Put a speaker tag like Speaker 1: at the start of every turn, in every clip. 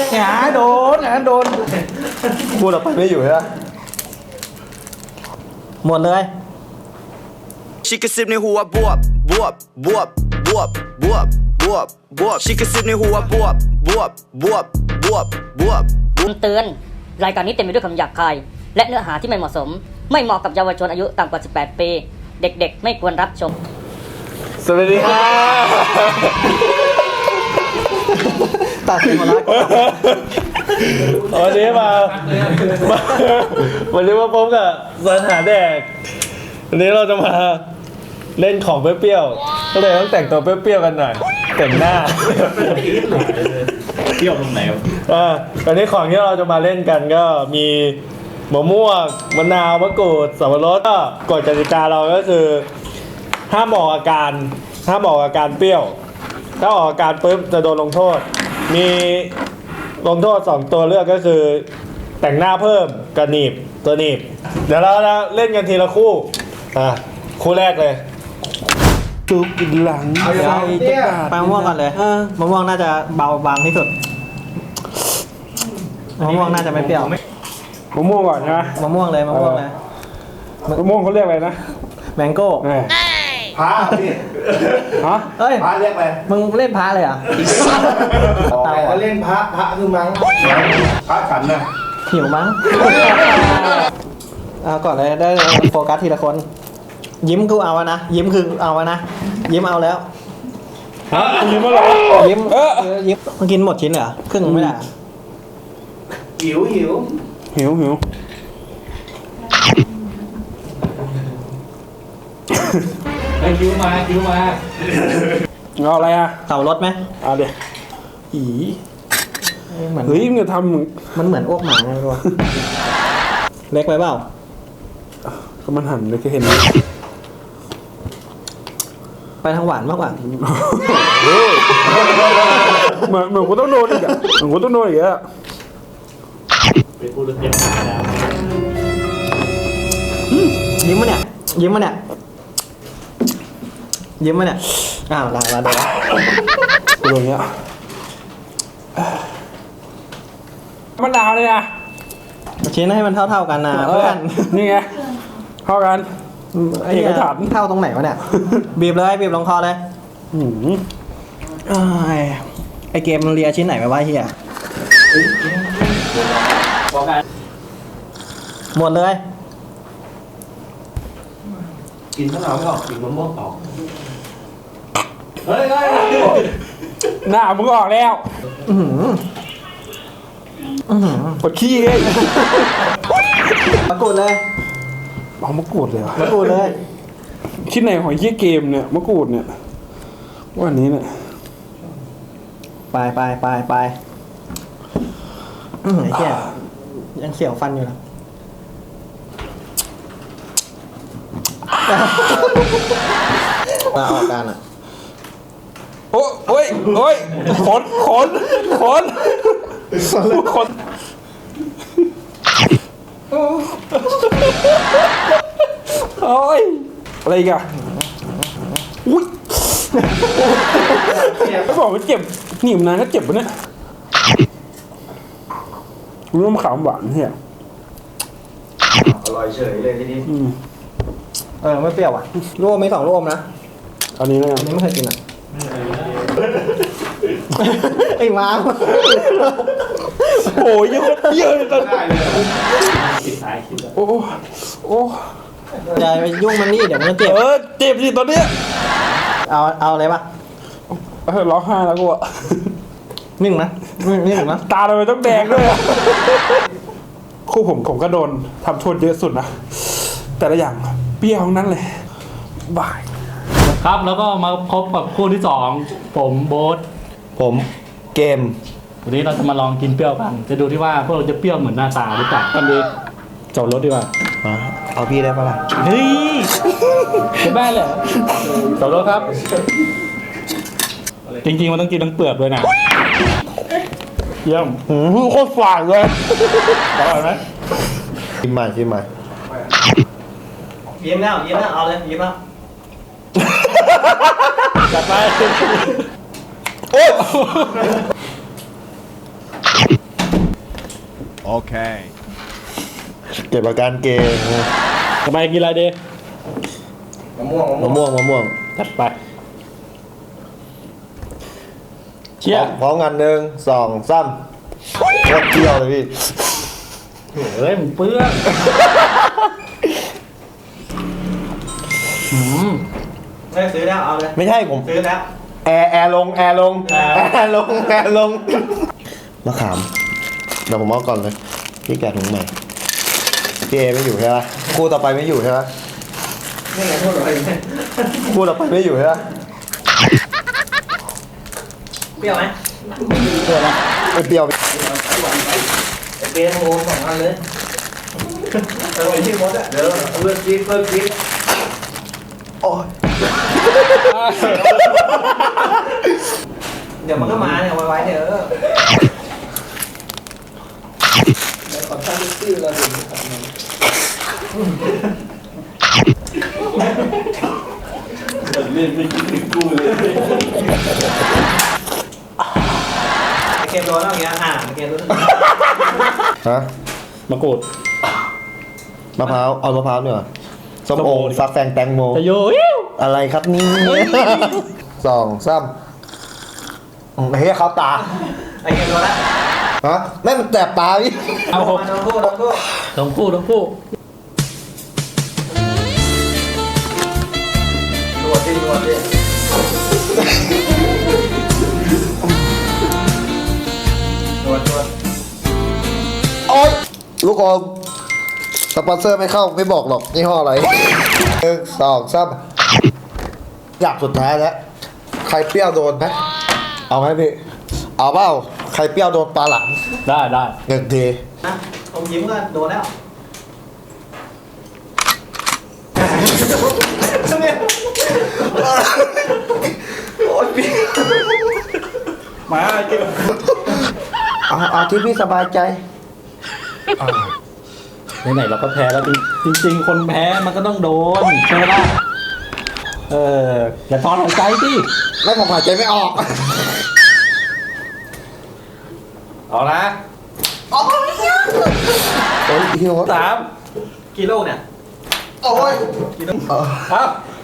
Speaker 1: หาโดนพูดออกไปไม่อยู่ใช่ไหมหมดเลย
Speaker 2: ชิคกซิบในหัวบวบบวบบวบบวบบวบบวบบวบชิคกซิบในหัวบวบบวบบวบบวบบวบ
Speaker 3: เตือนรายการนี้เต็มไปด้วยคำหยาบคายและเนื้อหาที่ไม่เหมาะสมไม่เหมาะกับเยาวชนอายุต่ำกว่า 18 ปีเด็กๆไม่ควรรับชม
Speaker 1: สวัสดีครับตัดเสียงหมดแล้ววันนี้วันนี้มาพบกับสถานแดกวันนี้เราจะมาเล่นของเปรี้ยวๆก็เลยต้องแต่งตัวเปรี้ยวๆกันหน่อยแต่งหน้า
Speaker 4: เปรี้ยวตรงไหน
Speaker 1: วันนี้ของที่เราจะมาเล่นกันก็มีมะม่วงมะนาวมะกรูดสับปะรดก็กฎกติกาเราก็คือห้ามออกอาการเปรี้ยวถ้าออกอาการปุ๊บจะโดนลงโทษมีลงโทษ2ตัวเลือกก็คือแต่งหน้าเพิ่มกับหนีบตัวหนีบเดี๋ยวเราเล่นกันทีละคู่คู่แรกเลยจุกหลังใส่ตะกร้าไปมะม่วงก่อนเลยมะม่วงน่าจะเบาบางที่สุดมะม่วงน่าจะไม่เปรี้ยว
Speaker 5: มะม่วงก่อนใช่ไหม
Speaker 1: มะม่วงเลยมะม่วง
Speaker 5: เขาเรียกอะไรนะ
Speaker 1: แมงโก้
Speaker 5: พาพี่ฮะพาเรียกอะไร
Speaker 1: มึงเล่นพาเลยเหรอ
Speaker 5: เขาเล่นพาคือมั้งพาขันนะ
Speaker 1: หิวมั้งก่อนเลยได้โฟกัสทีละคนยิ้มคือเอานะยิ้มคือเอานะยิ้มเอาแล้ว
Speaker 5: ฮะยิ้มมาหรอ
Speaker 1: ยิ้มมึงกินหมดชิ้นเหรอครึ่งไม่ได้
Speaker 5: หิว
Speaker 4: มา
Speaker 5: เอาอะไรอ่ะ
Speaker 1: เต่ารถไหม
Speaker 5: เอาเดี๋ยวเฮ้ยมึงจะทำ
Speaker 1: มันเหมือนอ้วกหมาไงตัวเล็กไปเปล่า
Speaker 5: ก็มันหั่นเลยแค่เห็น
Speaker 1: ไปทางหวานมากกว่า
Speaker 5: เหมือนกูต้องโดนอีกอ่ะ
Speaker 4: เป็นผู้เล่นเกมแล้ว
Speaker 1: ยิ้มมาเนี่ยอ้าวลาโดน
Speaker 5: กูโดนเงี้ยมันดาวเลยอ่ะ
Speaker 1: ชิ้นให้มันเท่ากันนะเพื่อน
Speaker 5: นี่ไงเท่ากัน
Speaker 1: ไอ้กระถางเท่าตรงไหนวะเนี่ยบีบลงคอเลยไอเกมมันเลียชิ้นไหนไปวะเฮียหมดเลย
Speaker 4: กินข้าวเหนียวไม่ออกกินมะม่วงออกเฮ้ย
Speaker 5: หน้ามึงออกแล้วปวดขี้เลย
Speaker 1: มะกรูดเลย
Speaker 5: เอามะกรูดเลย
Speaker 1: มะกรูดเลย
Speaker 5: ชิ้นไหนของยี่เกมเนี่ยมะกรูดเนี่ยวันนี้เนี่ย
Speaker 1: ไปไอ้เหี้ยยังเสียวฟันอยู่นะมาออกกันอ่ะ
Speaker 5: โอ้ยขนโอ้ยอะไรอีกอะอุ้ยไม่บอกว่าเจ็บหนีบนานก็เจ็บปะเนี่ยร่วมขาวหวานเฮีย
Speaker 4: อร่อยเฉยเลยทีนี้
Speaker 1: ไม่เปรี้ยวอ่ะร่วมไม่2ร่วมนะ
Speaker 5: อันนี้นะ
Speaker 1: ไม่เคยกินอ่ะไอ้ม้า
Speaker 5: โอ้ยเยอะเลยตอนนี้
Speaker 4: ปิดท้ายคิด
Speaker 5: โอ้
Speaker 1: อย่าไปยุ่งมันนี่เดี๋ยวมันเจ็บ
Speaker 5: เจ็บสิตอนเนี้ย
Speaker 1: เอาอะไรปะ
Speaker 5: ร้องไห้แล้วกูอะ
Speaker 1: นิ่งนะ
Speaker 5: ตาทำไมต้องแดงด้วยคู่ผมก็โดนทำโทษเยอะสุดนะแต่ละอย่างเปรี้ยวทั้งนั้นเลยบาย
Speaker 4: ครับแล้วก็มาพบกับคู่ที่2ผมโบ๊ท
Speaker 1: ผมเกม
Speaker 4: วันนี้เราจะมาลองกินเปรี้ยวกันจะดูที่ว่าพวกเราจะเปรี้ยวเหมือนหน้าตาหรือเปล่ากันดีจอดรถดีกว่า
Speaker 1: เอาพี่ได้ปะล่ะ
Speaker 4: เฮ้ยจะบ้าเหรอจอดรถครับจริงๆมันต้องกินทั้งเปลือกด้วยนะเยี่ยม
Speaker 5: โคตรฝาดเลย
Speaker 4: อร่อยไหม
Speaker 1: ชิมใหม่ยิ้มแล้วเอาเลยยิ้มแล้ว
Speaker 5: จัดไปโอ้
Speaker 6: Okay.
Speaker 1: เก็บอาการเกง
Speaker 4: ทำไมกินอะไรดี
Speaker 1: มะม่วง
Speaker 4: จัดไป เชี่ย
Speaker 1: พร้อมกัน1 2 3โคตรเที่ยวเลยพี่
Speaker 4: เฮ้ยมันเปื้อน
Speaker 7: ไม่ซื้อแล้วเอาเลย
Speaker 1: ไม่ใช่ผม
Speaker 7: ซื้อแล้ว
Speaker 1: แอร์ลงมะขามเดี๋ยวผมเอาก่อนเลยพี่แกะถุงใหม่พี่เอไม่อยู่ใช่ปะคู่ต่อไปไม่อยู่ใช่ปะ
Speaker 7: นี่ไงพูดอะไรเนี่ย
Speaker 1: คู่ต่อไปไม่อยู่ใช่ปะ
Speaker 7: เปรี้ยวไหม
Speaker 1: ไม่เปรี้ยว
Speaker 7: ไอเปรี้ยวโอ้2 อันเลยเอาไปที่มดอ่ะเดี๋ยวเพิ่มกิ๊ก
Speaker 1: โอ้ย
Speaker 7: เดี๋ยวมันก็มาเนี่ยไว้เดี๋ยวเกมโดนแล้วอย่างเงี้ยเกมโดน
Speaker 1: ฮะ
Speaker 4: มะกรูด
Speaker 1: มะพร้าวเอามะพร้าวเนี่ยส้มโอฟักแฟงแตงโม
Speaker 4: จะโย
Speaker 1: อะไรครับนี่2 3เฮ้ยเขาตา
Speaker 7: ไอเกมโดนแล้ว
Speaker 1: ฮะแม่งมันแสบตาพี่
Speaker 4: เอาหก
Speaker 7: โดนคู่
Speaker 4: ทั้งคู่
Speaker 7: ตรวจดิตรวจ
Speaker 1: โอ๊ยลูกอมสปอนเซอร์ไม่เข้าไม่บอกหรอกยี่ห้ออะไร1 2 3อยากสุดท้ายแล้วใครเปรี้ยวโดนไหมเอาไหมพี่เอาเปล่าใครเปรี้ยวโดนปลาหลัง
Speaker 4: ได้
Speaker 1: 1 ที
Speaker 7: นะผมยิ้มก็โดนแล้วโอ๊ยพี่
Speaker 4: มากิน
Speaker 1: เอาที่พี่สบายใจ
Speaker 4: ไหนๆเราก็แพ้แล้วจริงๆ คนแพ้มันก็ต้องโดนใช่ไหมล่ะอย่าถอนหายใจสิ
Speaker 1: ไม่ผมหายใจไม่ออก
Speaker 4: เอาละ
Speaker 1: โอ้ยหิว
Speaker 4: 3
Speaker 7: กี่โลเนี่ย
Speaker 1: โอ้ย
Speaker 4: ครับ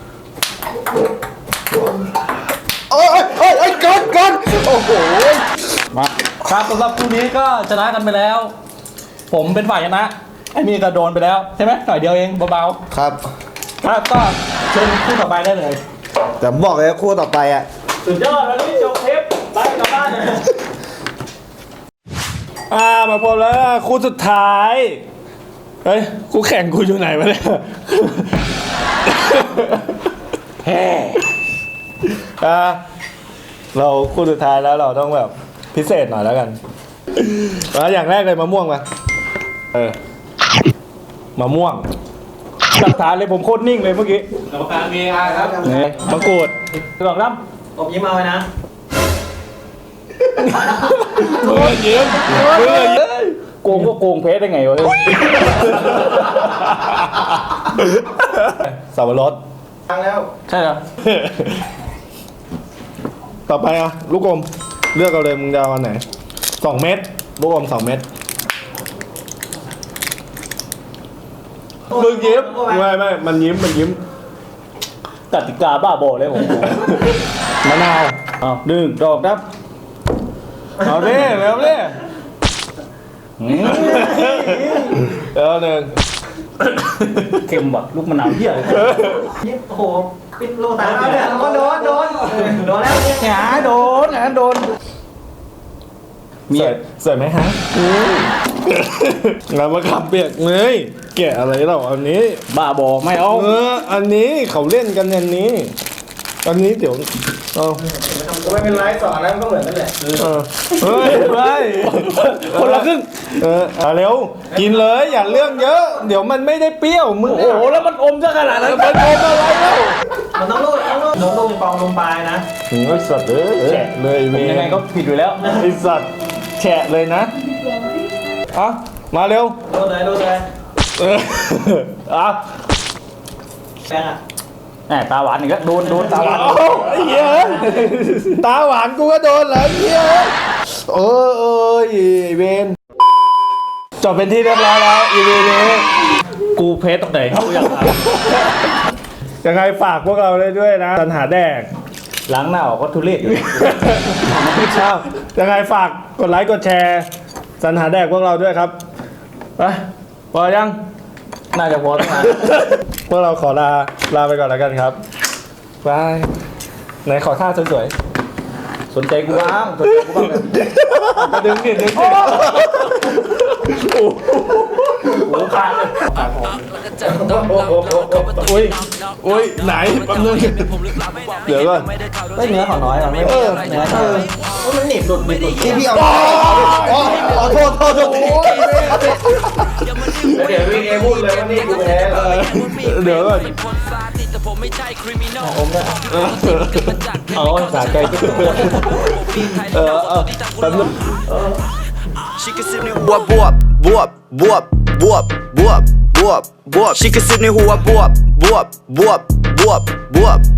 Speaker 1: โอ้ยเกินโอ้โห
Speaker 4: มาครับสำหรับคู่นี้ก็ชนะกันไปแล้ว ผมเป็นฝ่ายชนะไอ้มีก็โดนไปแล้วใช่ไหมหน่อยเดียวเองเบา
Speaker 1: ครับ
Speaker 4: ๆครับก็เชิญคู่ต่อไปได้เลย
Speaker 1: แต่ผมบอกเลยคู่ต่อไปอ่ะ
Speaker 4: สุดยอดแล้วนี่จบเทปไปกลับบ้าน
Speaker 1: มาพบแล้วคู่สุดท้ายเฮ้ยคู่แข่งกูอยู่ไหนวะเนี่ยแฮ่เราคู่สุดท้ายแล้วเราต้องแบบพิเศษหน่อยแล้วกันอย่างแรกเลยมะม่วงมามะม่วงหลักฐานเลยผมโคตรนิ่งเลยเมื่อกี้
Speaker 4: กรรมการมีอาครับ
Speaker 1: นี่มะกรูดลองน้
Speaker 7: ผมยิ้มเอาไว้นะ
Speaker 1: ำมือยิ้มโกงก็โกงเพชรได้ไงวะสับปะรด
Speaker 7: ฟังแล้ว
Speaker 4: ใช่เหรอ
Speaker 1: ต่อไปอ่ะลูกอมเลือกเอาเลยมึงจะเอาอันไหน2 เม็ดลูกอม2 เม็ดมึงยิ้มไม่มันยิ้ม
Speaker 4: กติกาบ้าบอเลยผม
Speaker 1: มะนาว
Speaker 4: เอาดึงดอกครับ
Speaker 1: เอาดิเร็วดิแล้วหนึ่ง
Speaker 4: เค็มแบบลูกมะนาวเหี้ยเลย
Speaker 7: ยิ้มโอ้โหปิดโลตาแล้วเนี่ยโดนแล้วเนี่ย
Speaker 4: หาโดน
Speaker 1: เสร็จไหมฮะงานมาขับเปียกเลยแกะอะไรเราอันนี้
Speaker 4: บ้าบอไม่เอา
Speaker 1: อันนี้เขาเล่นกันอันนี้อันนี้เดี๋ยวเอา
Speaker 7: ไม่เป็นไรสอนแล้วมันก็เหมือนกันแหละ
Speaker 1: เฮ้ย
Speaker 4: คนละครึ่ง
Speaker 1: เอาเร็วกินเลยอย่าเรื่องเยอะ เดี๋ยวมันไม่ได้เปรี้ยวมึง
Speaker 4: โอ้โหแล้วมันอมซะขนาดนั้น
Speaker 1: มันอมอะไรแล้ว
Speaker 7: มันต้องลูกมีปองลงปลายนะ
Speaker 1: ถึงไอ้สัตว์แฉะเลย
Speaker 4: ผมยังไงก็ผิดอยู่แล้ว
Speaker 1: ไอ้สัตว์แฉะเลยนะเอามาเร็ว
Speaker 7: โดนเลย
Speaker 1: อ่ะ
Speaker 7: แบงอ่ะ
Speaker 4: แหมตาหวานอีกแล้วโดนตาหวาน
Speaker 1: โอ้ไอ้เหี้ยตาหวานกูก็โดนเหรอไอ้เหี้ยเอ้ยเวนบเป็นที่เรียบร้อยแล้ว EP นี้
Speaker 4: กูเพจตรงไหนกูอยากถาม
Speaker 1: ยังไงฝากพวกเราได้ด้วยนะสรรหาแดก
Speaker 4: ล้างหน้าออกก็ทุเรศอยู่
Speaker 1: ชอบยังไงฝากกดไลค์กดแชร์สรรหาแดกพวกเราด้วยครับไปพอยัง
Speaker 4: น่าจะพอตั้งนาน
Speaker 1: พวกเราขอลาไปก่อนแล้วกันครับบายไหนขอท่าสวย
Speaker 4: สนใจกูบ้างสนใจกูบ้างเลย
Speaker 1: ๆดึงดิดึงดิ
Speaker 4: หูขาดเลย
Speaker 1: อุ้ยไหนแป๊บนึงเดี๋ยวก่อน
Speaker 4: ไม่เนื้อขอน้อยอ่ะไม่เนื้อมันหนีบหลุดที่พี่เอา
Speaker 1: โทษ
Speaker 7: เดี๋ยววิ่งเอพูดเลยว่านี่กูแพ้
Speaker 1: เดี๋ยวก่อน
Speaker 4: เอาสาใจก็คือ
Speaker 1: แป๊บนึง
Speaker 2: She can sipในหัวบวบบวบบวบบวบบวบบวบบวบ She can sipในหัวบวบบวบบวบบวบบวบ